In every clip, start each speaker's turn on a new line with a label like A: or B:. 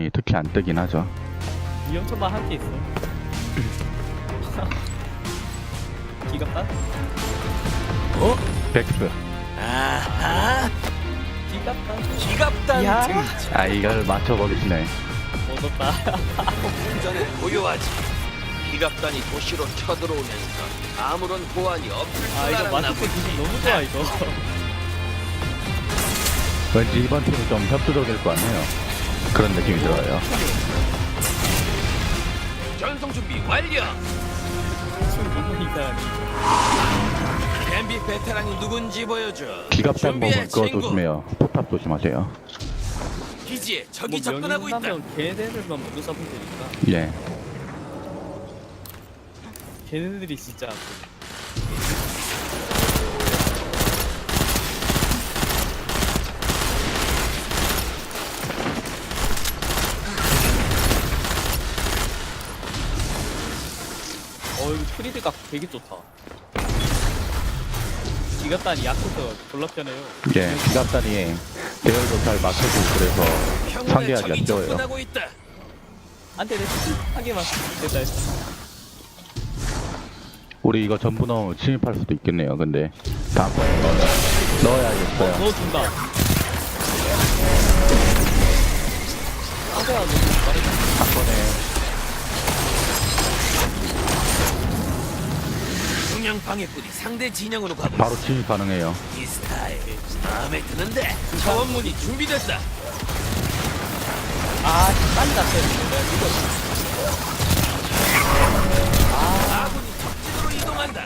A: 기갑단이 특히 안 뜨긴 하죠.
B: 위험천만 한 개 있어. 기갑단?
A: 백스.
C: 아하,
B: 기갑단?
C: 기갑단
B: 야.
C: 등장.
A: 아, 이걸 맞춰버리시네.
B: 얻었다.
C: 전에 고요하지. 기갑단이 도시로 쳐들어오면서 아무런 보안이 없을 줄
B: 아 이거
C: 알았나
B: 마스크
C: 보지.
B: 기분 너무 좋아 이거.
A: 왠지 이번 팀은 좀 협조적일 거 아니에요. 그런 느낌이 들어요.
C: 전송 준비 완료.
B: 지금 너무 이상하네.
C: 뱀비 베테랑이 누군지 보여줘.
A: 기갑단
C: 준비해,
A: 보면 그거
C: 친구.
A: 조심해요. 포탑 조심하세요.
C: 기지에 적이
B: 뭐
C: 접근하고 있다.
B: 명예훼손하면 걔네들만 먼저 잡으면 되니까.
A: 예.
B: 걔네들이 진짜 이거 프리드가 되게 좋다. 기갑단이 약해서 졸라 편해요.
A: 예. 기갑단이 대열도 잘 맞춰주고 그래서
C: 평원에
A: 상대하기가
C: 적이
A: 쉬워요.
C: 접근하고 있다.
B: 안돼 한 개만 됐다 했어.
A: 우리 이거 전부 넣으면 침입할 수도 있겠네요. 근데 다음번에 넣어야겠어요.
B: 넣어준다. 상대가 너무 빠르다.
A: 한 번에
C: 중량 방해꾼이 상대 진영으로 가고
A: 바로 침입 가능해요.
C: 있어. 이 스타일 마음에 드는데. 차원문이 준비됐다.
B: 아 빨리 났어야 되는데 이거
C: 아군이 적진으로 이동한다.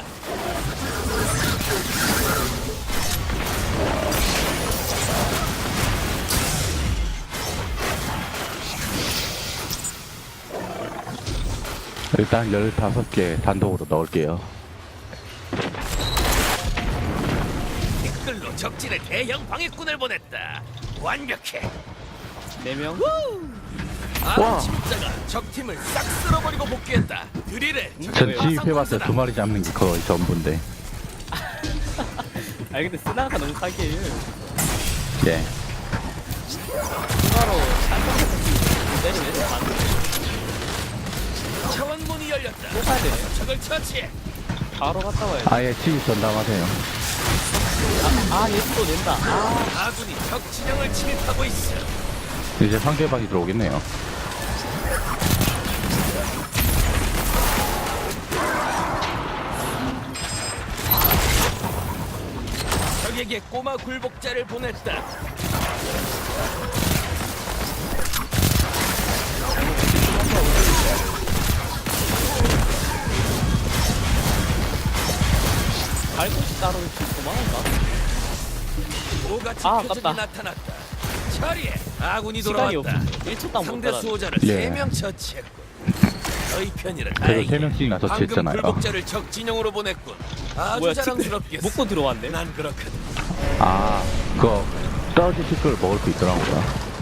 A: 일단 15개 단독으로 넣을게요.
C: 댓글로 적진에 대형 방해꾼을 보냈다. 완벽해.
B: 4명?
C: 아군 침입자가 적팀을 싹 쓸어버리고 복귀했다. 드릴에
A: 전 침입해봤자 2마리 잡는 게 거의 전부인데.
B: 아니 근데 쓰나가 너무 사기예요.
A: 예.
B: 추가로 샷건에서 때리면 애들 다
C: 차원문이 열렸다.
B: 또 가야 되네.
C: 적을 처치해.
B: 바로 갔다 와야 돼.
A: 아예 침입 전담하세요.
B: 얘 또 낸다.
C: 아군이 적 진영을 침입하고 있어.
A: 이제 상대방이 들어오겠네요.
C: 적에게 꼬마 굴복자를 보냈다.
B: 갈 곳이 따로 있지 도망간가?
C: 오가치
B: 아깝다.
C: 표적이 나타났다. 처리해. 아군이
B: 시간이
C: 돌아왔다.
B: 없어. 1초당 못
C: 상대
B: 따라.
C: 수호자를
A: 예.
C: 3명 처치했군. 너희 편이라
A: 그래도
C: 다행이야.
A: 3명씩이나
C: 방금
A: 처치했잖아요.
C: 굴복자를 적 진영으로 보냈군. 아주
B: 뭐야
C: 자랑스럽겠어.
B: 먹고 들어왔네.
C: 난 그렇거든.
A: 아, 그거 떨어진 식구를 먹을 수 있더라고요.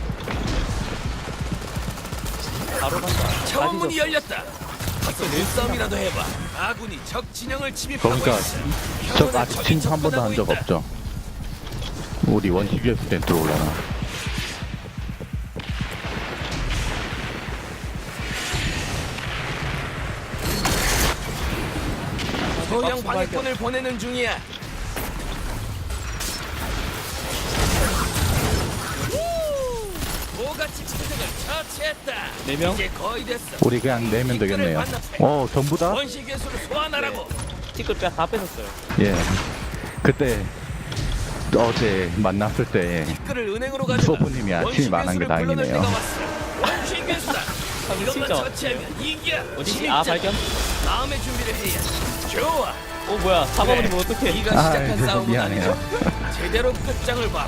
B: 바로 간다.
C: 차원문이 열렸다. 가서
B: 내
C: 눈싸움이라도 해봐. 아군이 적 진영을 침입하고
A: 그러니까
C: 있어.
A: 저
C: 평온에
A: 아직
C: 적이
A: 침입 한 번도 한 적
C: 접근하고 있다.
A: 없죠. 우리 원시비였을 땐 들어올라나.
C: 소형 방해꾼을 보내는 중이야. 오가치 표적을 처치했다.
B: 4명?
C: 이제 거의 됐어.
A: 우리 그냥 내면 되겠네요. 전부 다?
C: 원시 괴수를 소환하라고.
B: 티끌 다 뺏었어요.
A: 예. 그때 어제 만났을 때
C: 티끌을 은행으로 가져가.
A: 소부님이 아침이 많은 게 다행이네요.
C: 원시 괴수다. 이것만
B: 진짜
C: 처치하면 이기야.
B: 어디지? 아 발견?
C: 다음에 준비를 해야. 좋아.
B: 뭐야 잡아버리면 어떡해.
C: 네가 시작한
A: 아이고,
C: 싸움은
A: 미안해요.
C: 아니죠. 제대로 끝장을 봐.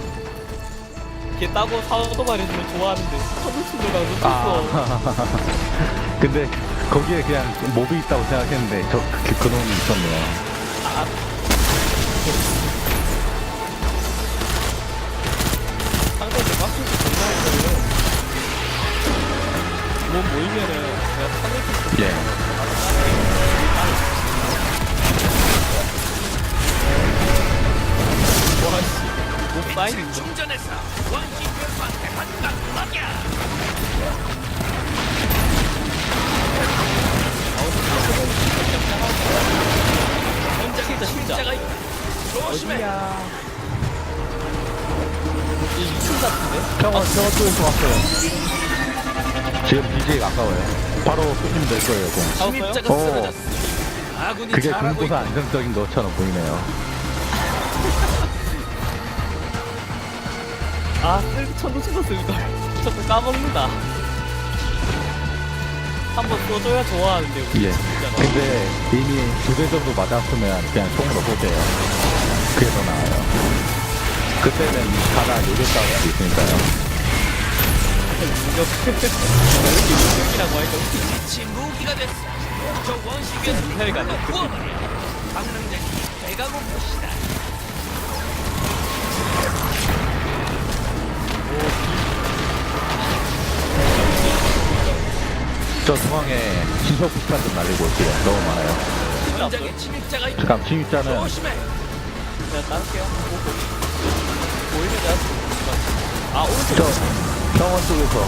B: 걔 따고 사도 말해주면 좋아하는데 서울 친구가 놓쳤어.
A: 아. 근데 거기에 그냥 몹이 있다고 생각했는데 그놈이 있었네요.
B: 상대한테 빡치지 존나했어요. 몸 모이면은 내가 상대
A: 예.
B: 와씨 몸 사이즈
C: 충전해서 원시 괴수한테 한방 먹여.
B: 저쪽에서 왔어요.
A: 지금 BJ 가까워요. 바로 쏘시면 될 거예요, 공.
C: 침입자가
A: 어.
C: 쓰러졌습니다. 아군이
A: 그게
C: 잘하고
A: 군고사
C: 있다.
A: 안정적인 것처럼 보이네요.
B: 아, 쓸 천둥치도 쓸걸. 저거 까먹는다. 한번 쏘줘야 좋아하는데, 우리
A: 예.
B: 진짜로.
A: 근데 이미 2대 정도 맞았으면 그냥 총으로 쏘세요. 그게 더 나아요. 그때는 가다 요격 싸울 수 있으니까요.
B: 무력. 이렇게 무력이라고 하니까 웃기지.
C: 지 무기가 됐어. 저 원시계는
B: 미사일 같네.
C: 구워버려. 방랑자니 배가 고프시다.
A: 저 중앙에 신속 폭탄 좀 날리고 올게요. 너무 많아요.
C: 현장에 침입자가 있다.
A: 잠깐 침입자는
C: 조심해.
B: 제가 따를게요. 보이면 내가 쏘 아, 오른쪽.
A: 저 병원 쪽에서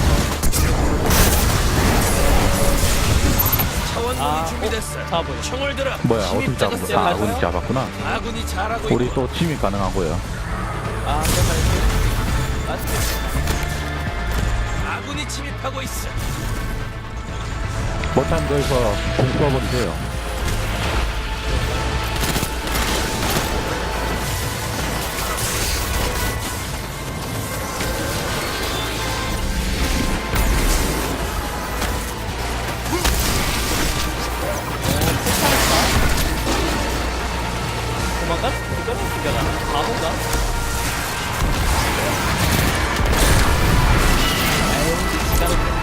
C: 차원문이 준비됐어.
B: 잡아요.
C: 총을 들어.
A: 뭐야 어떻게
C: 침입자가
A: 잡은
C: 쓰러졌어.
A: 거야? 아군이 잡았구나.
C: 아군이 잘하고
A: 우리
C: 있고.
A: 또 침입 가능하고요.
B: 아, 내가 갈게. 맞지?
C: 아군이 침입하고 있어.
A: 못한 거에서 공 쏘아버리세요.
B: 도망가? 이거는 기다려. 바본가? 에이, 기다려.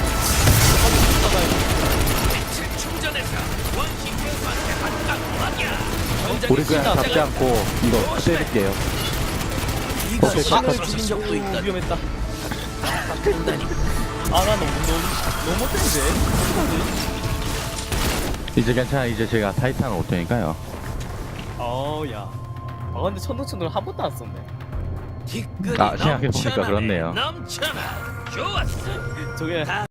C: 충전해서 원시계수한테 한강 막이야.
A: 우리 그냥 잡지 않고 이거 때릴게요.
C: 이거
A: 오케이,
C: 신을
A: 컷.
C: 죽인 적도 있다.
B: 위험했다.
C: 본다니.
B: 아, 나 너무 못했는데? 어떡하지?
A: 이제 괜찮아. 이제 제가 타이탄을 올 테니까요.
B: 야. 아, 근데 천둥천둥 한 번도 안 썼네.
C: 티끌이
A: 아, 생각해보니까
C: 넘쳐나네.
A: 그렇네요.
C: 넘쳐나. 좋았어.
B: 저게
C: 다